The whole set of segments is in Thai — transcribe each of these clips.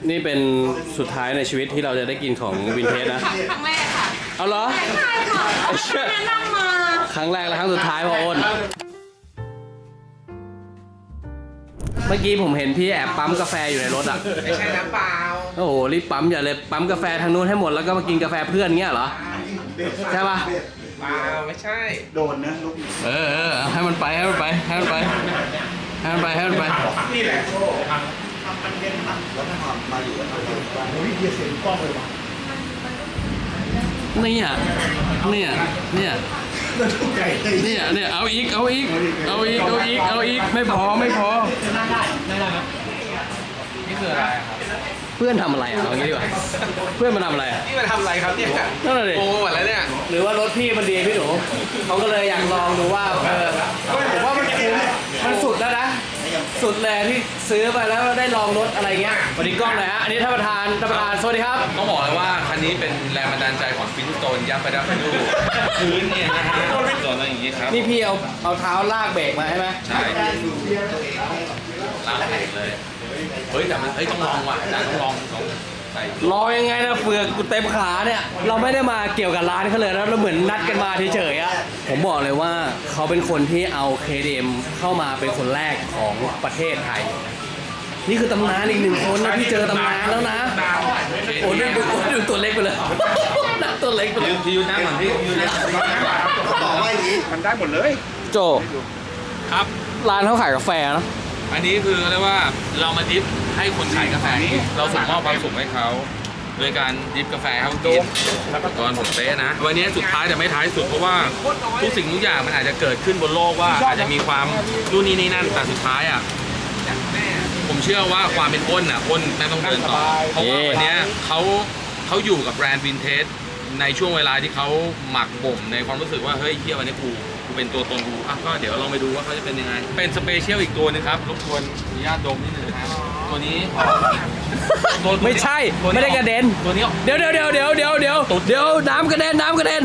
นี่เป็นสุดท้ายในชีวิตที่เราจะได้กินของวินเทจนะครั้งแรกค่ะเอาเหรอใช่ค่ะแนะนำมาครั้งแรกและครั้งสุดท้ายพ่ออ้นเมื่อกี้ผมเห็นพี่แอบปั๊มกาแฟอยู่ในรถอ่ะไม่ใช่น้ำเปล่าโอ้โหรีบปั๊มอย่าเลยปั๊มกาแฟทางนู้นให้หมดแล้วก็มากินกาแฟเพื่อนเงี้ยเหรอใช่ป่ะเปล่าไม่ใช่โดนนะลูกให้มันไปให้มันไปให้มันไปให้มันไปให้มันไปนี่แหละทำมันเป็นตัดแล้วถ้าทำมาอยู่แล้วทำว่าโอ้ยเกียร์เสียงกล้องเลยว่ะเนี่ยเอาอีกไม่พอนี่คืออะไรครับเพื่อนทำอะไรเอางี้ดีกว่าเพื่อนมันทำอะไรนี่มันทำอะไรครับเนี่ยนั่นแหละดิโอ้หมดแล้วเนี่ยหรือว่ารถพี่มันดีพี่หนูเขาก็เลยอยากลองดูว่าผมว่ามันคุ้มมันสุดแล้วนะสุดเลยที่ซื้อไปแล้วได้ลองรถอะไรเงี้ยสวัสดีกล้องหน่อยฮะอันนี้ท่านประธานสวัสดีครับต้องบอกเลยว่าคันนี้เป็นแรงบันดาลใจของฟินสโตนยับไปดับไปดูพื้นเนี่ยนะฮะโดนอะไรอย่างงี้ครับนี่พี่เอาเท้าลากเบรกมาใช่ไหมใช่ลากเบรกเลยเฮ้ยแต่มันต้องลองว่ะอาจารย์ต้องลองใส่รอยังไงนะเฟือกกูเต็มขาเนี่ยเราไม่ได้มาเกี่ยวกับร้านเขาเลยแล้วเราเหมือนนัดกันมาเฉยๆอะผมบอกเลยว่าเขาเป็นคนที่เอา KTM เข้ามาเป็นคนแรกของประเทศไทยนี่คือตำนานอีกหนึ่งคนนะพี่เจอตำนานแล้วนะโอ้ดูตัวเล็กไปเลยตัวเล็กไปเลยพี่ยูน้ำเหมือนพี่ยูน้ต่อว่าอย่างนี้มันได้หมดเลยโจครับร้านเขาขายกาแฟนะอันนี้คือเรียกว่าเรามาดิฟให้คนขายกาแฟนี้เราส่งมอบความสุขให้เขาโดยการดิฟกาแฟให้เขากินตอนผมเป๊ะนะวันนี้สุดท้ายแต่ไม่ท้ายสุดเพราะว่าทุกสิ่งทุกอย่างมันอาจจะเกิดขึ้นบนโลกว่าอาจจะมีความนู่นนี่นั่นแต่สุดท้ายอ่ะผมเชื่อว่าความเป็นอ้นไม่ต้องเดินต่อเพราะว่าวันนี้เขาอยู่กับแบรนด์วินเทจในช่วงเวลาที่เขาหมักบ่มในความรู้สึกว่าเฮ้ยเฮียวันนี้กูเป็นตัวตนกูก็เดี๋ยวลองไปดูว่าเขาจะเป็นยังไงเป็นสเปเชียลอีกตัวนึงครับรบกวนอนุญาตดมนิดนึงนะตัวนี้ไม่ใช่ไม่ได้กระเด็นตัวนี้เดี๋ยวน้ำกระเด็น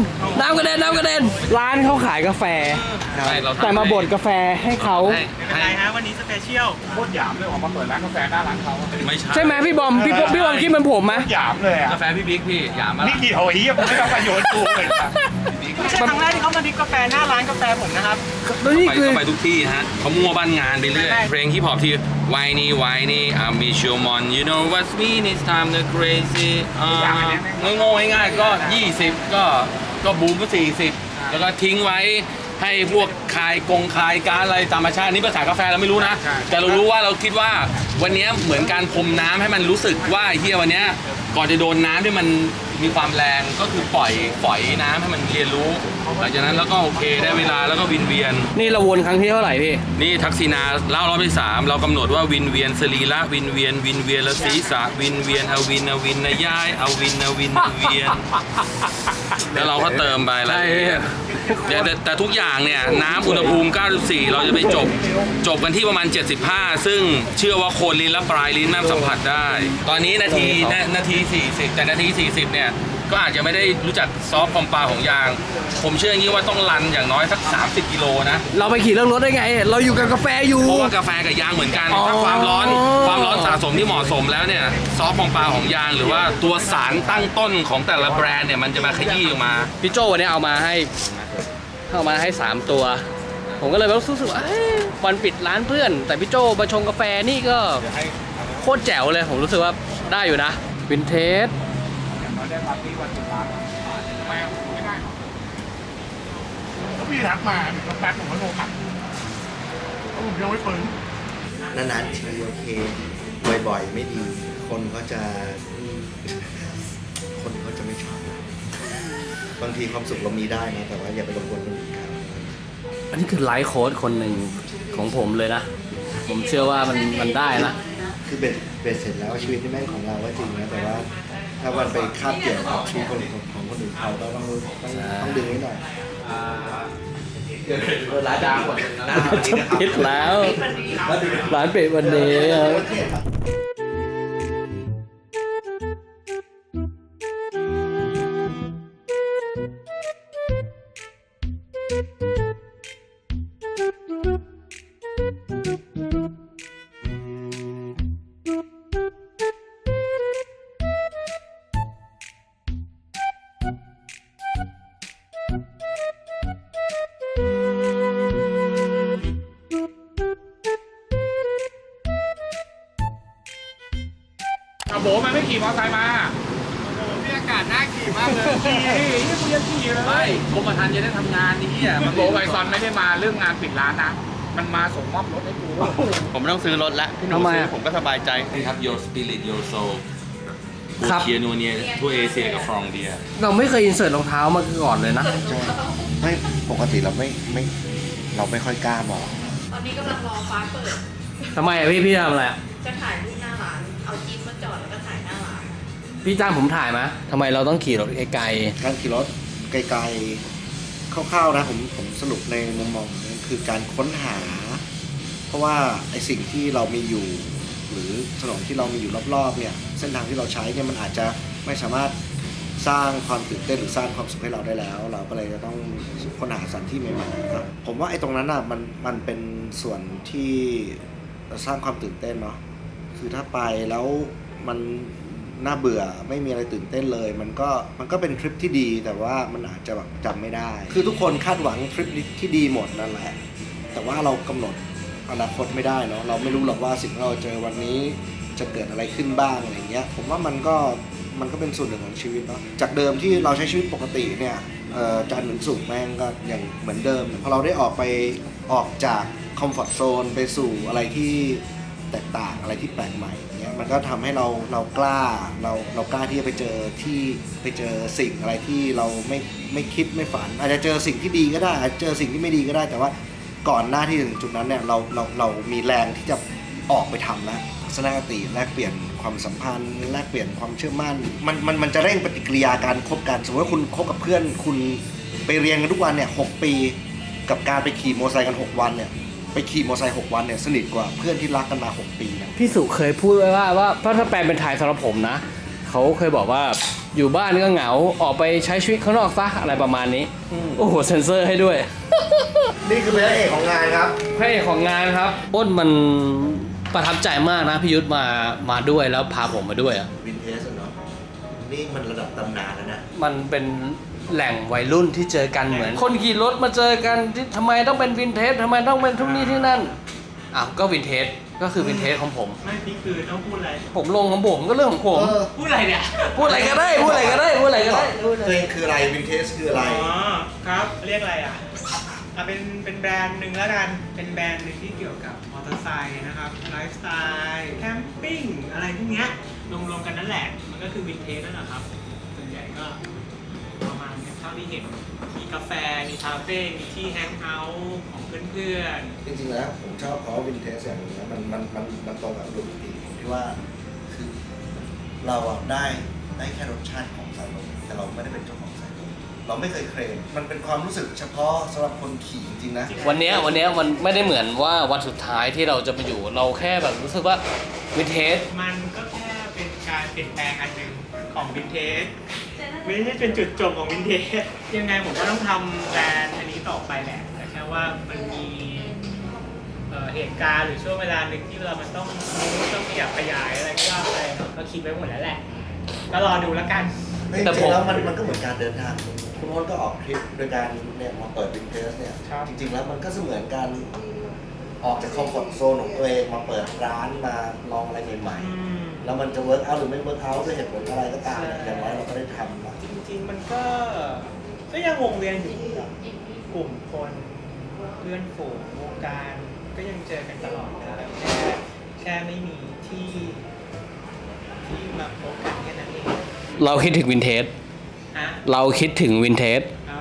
ร้านเขาขายกาแฟแต่มาบดกาแฟให้เขาอะไรฮะวันนี้สเปเชียลโคตรหยามเลยออกมาเปิดร้านกาแฟหน้าร้านเขาไม่ใช่ไหมพี่บอมคิดเหมือนผมไหมหยามเลยอ่ะกาแฟพี่บิ๊กพี่หยามมานี่กี่โหยผมไม่ต้องประโยชน์กูเลยไม่ใช่ครั้งแรกที่เขามาดิฟกาแฟหน้าร้านกาแฟผมนะครับไปทุกที่ฮะเขามั่วบ้านงานไปเรื่อยเพลงฮิปฮอปที่ Whiny I'm Showman you know what's mean it's time to crazy โง่ง่ายๆก็20ก็บูมก็40แล้วก็ทิ้งไว้ให้พวกคายการอะไรธรรมชาตินี่ภาษากาแฟเราไม่รู้นะแต่เรารู้ว่าเราคิดว่าวันนี้เหมือนการพรมน้ำให้มันรู้สึกว่าเฮียวันนี้ก่อนจะโดนน้ำที่มันมีความแรงก็คือปล่อยน้ำให้มันเรียนรู้หลังจากนั้นแล้วก็โอเคได้เวลาแล้วก็วินเวียนนี่เราวนครั้งที่เท่าไหร่พี่นี่ทักษิณาเล่ารอบที่3เรากำหนดว่าวินเวียนสรีระวินเวียนและศีรษะวินเวียนเอาวินนะย้ายเอาวินเวียนแล้วเราก็เติมไปแล้วแต่ทุกอย่างเนี่ยน้ำอุณหภูมิ94เราจะไปจบกันที่ประมาณ75ซึ่งเชื่อว่าโคนลิ้นและปลายลิ้นแม่สัมผัสได้ตอนนี้นาที40แต่นาที40เนี่ยก็อาจจะไม่ได้รู้จักซอฟต์คอมปาของยางผมเชื่ออย่างนี้ว่าต้องรันอย่างน้อยสัก30กิโลนะเราไปขี่เรื่องรถได้ไงเราอยู่กับกาแฟอยู่เพราะว่ากาแฟกับยางเหมือนกันถ้าความร้อนสะสมที่เหมาะสมแล้วเนี่ยซอฟต์คอมปาของยางหรือว่าตัวสารตั้งต้นของแต่ละแบรนด์เนี่ยมันจะมาขยี้ออกมาพี่โจวันนี้เอามาให้3ตัวผมก็เลยรู้สึกว่าวันปิดร้านเพื่อนแต่พี่โจมาชงกาแฟนี่ก็โคตรแจ๋วเลยผมรู้สึกว่าได้อยู่นะวินเทจได้ปาร์ตี้วันสุดท้ายไม่ได้แล้วพี่ทักมาแป๊บผมก็โทรกลับผมยังไม่ฟื้นนานๆทีโอเคบ่อยๆไม่ดีคนเขาจะไม่ชอบบางทีความสุขเรามีได้นะแต่ว่าอย่าไปรบกวนคนอื่นครับอันนี้คือไลฟ์โค้ดคนหนึ่งของผมเลยนะผมเชื่อว่ามันได้นะคือเบ็ดเสร็จแล้วชีวิตที่แม่งของเราก็จริงนะแต่ว่าถ้าวันไปคาบเกี่ยวกับชีวิตของคนอื่นเขาก็ต้องดึงไว้หน่อยร้านดังหมดปิดแล้วร้านปิดวันนี้โบมันไม่ขี่มอเตอร์ไซค์มาโอ้โหนี่อากาศน่าขี่มากเลยขี่นี่กูยังขี่เลยไม่กรมธรรม์จะได้ทำงานนี่อ่ะมันโบไบซอนไม่ได้มาเรื่องงานปิดร้านนะ มันมาส่งมอบรถให้กูผมไม่ต้องซื้อรถแล้วพี่หนูทำไมซื้ออะผมก็สบายใจครับ your spirit your soul ครับเคียนัวเนียทั่วเอเชียกับฟรองเดียเราไม่เคยอินเสิร์ตรองเท้ามาก่อนเลยนะใช่ไม่ปกติเราไม่ค่อยกล้ามองตอนนี้กำลังรอฟ้าเปิดทำไมอะพี่ทำอะไรอะจะถ่ายรูปหน้าร้าน เอาจิ๊บมาจอดแล้วก็ถ่ายหน้าร้านพี่จ้างผมถ่ายไหมทำไมเราต้องขี่รถไกลการขี่รถไกลๆคร่าวๆนะผมสรุปในมุมมองผมนะคือการค้นหา เพราะว่าไอสิ่งที่เรามีอยู่ หรือถนนที่เรามีอยู่รอบๆเนี่ยเส้นทางที่เราใช้เนี่ยมันอาจจะไม่สามารถสร้างความตื่นเต้นหรือสร้างความสุขให้เราได้แล้ว เราก็เลยจะต้องค้นหาสถานที่ใหม่ๆครับผมว่าไอ้ตรงนั้นอ่ะมันเป็นส่วนที่สร้างความตื่นเต้นเนาะคือถ้าไปแล้วมันน่าเบื่อไม่มีอะไรตื่นเต้นเลย มันก็เป็นทริปที่ดีแต่ว่ามันอาจจะแบบจำไม่ได้ คือทุกคนคาดหวังทริปที่ดีหมดนั่นแหละแต่ว่าเรากำหนดอนาคตไม่ได้เนาะเราไม่รู้หรอกว่าสิ่งที่เราเจอวันนี้จะเกิดอะไรขึ้นบ้างอะไรเงี้ยผมว่ามันก็เป็นส่วนหนึ่งของชีวิตเนาะจากเดิมที่เราใช้ชีวิตปกติเนี่ยจันทร์ถึงศุกร์แม่งก็อย่างเหมือนเดิมพอเราได้ออกจากคอมฟอร์ทโซนไปสู่อะไรที่แตกต่างอะไรที่แปลกใหม่เนี่ยมันก็ทำให้เรากล้าที่จะไปเจอสิ่งอะไรที่เราไม่คิดไม่ฝัน อาจจะเจอสิ่งที่ดีก็ได้อาจจะเจอสิ่งที่ไม่ดีก็ได้แต่ว่าก่อนหน้าที่ถึงจุดนั้นเนี่ยเรามีแรงที่จะออกไปทำแล้วทัศนคติแลกเปลี่ยนความสัมพันธ์แลกเปลี่ยนความเชื่อมั่นมันจะเร่งปฏิกิริยาการคบกันสมมติว่าคุณคบกับเพื่อนคุณไปเรียนกันทุกวันเนี่ย6 ปีกับการไปขี่มอเตอร์ไซค์กัน6 วันเนี่ยไปขี่มอเตอร์ไซค์6 วันเนี่ยสนิทกว่าเพื่อนที่รักกันมา6 ปีนะๆ พี่สุเคยพูดไว้ว่าเพราะถ้าแปลเป็นไทยสำหรับผมนะเขาเคยบอกว่าอยู่บ้านก็เหงาออกไปใช้ชีวิตข้างนอกซะอะไรประมาณนี้โอ้โหเซ็นเซอร์ให้ด้วยนี่คือพระเอกของงานครับพระเอกของงานครับอ้นมันประทับใจมากนะพี่ยุทธมาด้วยแล้วพาผมมาด้วยอ่ะวินเทจเนาะนี่มันระดับตำนานแล้วนะมันเป็นแหล่งวัยรุ่นที่เจอกันเหมือน คนขี่รถมาเจอกันที่ทำไมต้องเป็นวินเทจทำไมต้องเป็นทุกนี้ที่นั่นอ้าวก็วินเทจก็คือวินเทจของผมไม่พี่คือต้องพูดอะไรผมลงของผมก็เรื่องของผมพูดอะไรเนี่ยพูดอะไรก็ได้พูดอะไรก็ได้พูดอะไรก็ได้ตัวเองคืออะไรวินเทจคืออะไรอ๋อครับเรียกอะไรอ่ะเป็นแบรนด์หนึ่งแล้วกันเป็นแบรนด์หนึ่งที่เกี่ยวกับมอเตอร์ไซค์นะครับไลฟ์สไตล์แคมปิ้งอะไรพวกเนี้ยรวมๆกันนั่นแหละมันก็คือวินเทจนั่นแหละครับส่วนใหญ่ก็ประมาณนี้เท่าที่เห็นมีกาแฟมีคาเฟ่มีที่แฮงเอาท์ของเพื่อนๆจริงๆแล้วผมชอบเพราะวินเทจอย่างหนึงนะมันตรงกับดนตรีผมที่ว่าคือเราอะได้แค่รสชาติของสายลมแต่เราไม่ได้เป็นเจ้าของสายลมเราไม่เคยเคลมมันเป็นความรู้สึกเฉพาะสำหรับคนขี่จริงๆนะวันเนี้ยมันไม่ได้เหมือนว่าวันสุดท้ายที่เราจะไปอยู่เราแค่แบบรู้สึกว่าวินเทจมันก็แค่เป็นการเปลี่ยนแปลงอันหนึ่งของวินเทจไม่ใช่เป็นจุดจบของวินเทจยังไงผมก็ต้องทำแบรนด์อันนี้ต่อไปแหละแต่แค่ว่ามันมีเหตุการณ์หรือช่วงเวลาหนึ่งที่เรามันต้องขยับขยายอะไรก็อะไรก็คิดไว้หมดแล้วแหละก็รอดูแล้วกันแต่จริงๆแล้วมันก็เหมือนการเดินทางคุณโอ๊ตก็ออกทริปโดยการเนี่ยมาเปิดวินเทจเนี่ยครับจริงๆแล้วมันก็เสมือนการออกจากคอมฟอร์ทโซนของตัวเองมาเปิดร้านมาลองอะไรใหม่ๆแล้วมันจะเวิร์กเอาหรือไม่เวิร์กเอาด้วยเหตุผลอะไรก็ตามเนี่ยอย่างน้อยเราก็ได้ทำนะจริงๆมันก็ยังวงเวียนอยู่กับกลุ่มคนเพื่อนฝูงวงการก็ยังเจอกันตลอดนะแค่ไม่มีที่มาพบกันแค่นั้นเองเราคิดถึงวินเทจฮะเราคิดถึงวินเทจครับ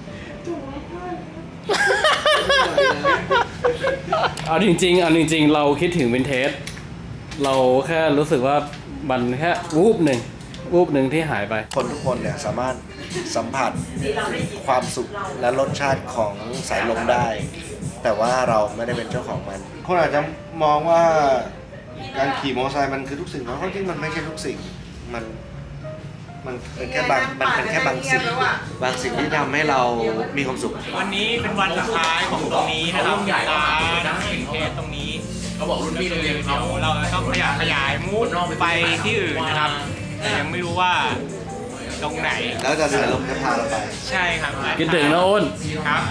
เอาจริงๆเราคิดถึงวินเทจเราแค่รู้สึกว่ามันแค่วูบหนึ่งที่หายไปคนทุกคนเนี่ยสามารถสัมผัสความสุขและรสชาติของสายลมได้ แต่ว่าเราไม่ได้เป็นเจ้าของมัน คนอาจจะมองว่าการขี่มอเตอร์ไซค์มันคือทุกสิ่งเพราะจริงๆมันไม่ใช่ทุกสิ่งมันเป็นแค่บางสิ่งที่ทำให้เรามีความสุขวันนี้เป็นวันสุดท้ายของตรงนี้นะครับร้านเคสตรงนี้เขาบอกรุ่นพี่โรงเรียนเขาเราต้องขยายมูดไปที่อื่นนะครับแต่ยังไม่รู้ว่าตรงไหนแล้วจะสายลมจะพาเราไปใช่ครับคิดถึงนะอ้นครับ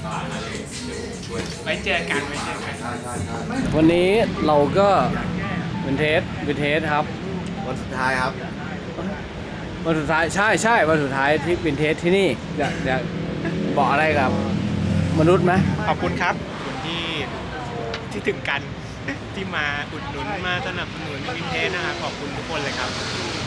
ไว้เจอกันวันนี้เราก็วินเทจครับววันสุดท้ายครับวันสุดท้ายใช่วันสุดท้ายที่วินเทจที่นี่อยากบอกอะไรกับมนุษย์ไหมขอบคุณครับขอบคุณที่ถึงกัน ที่มาอุดหนุนมาสนับสนุนวินเทจนะครับขอบคุณทุกคนเลยครับ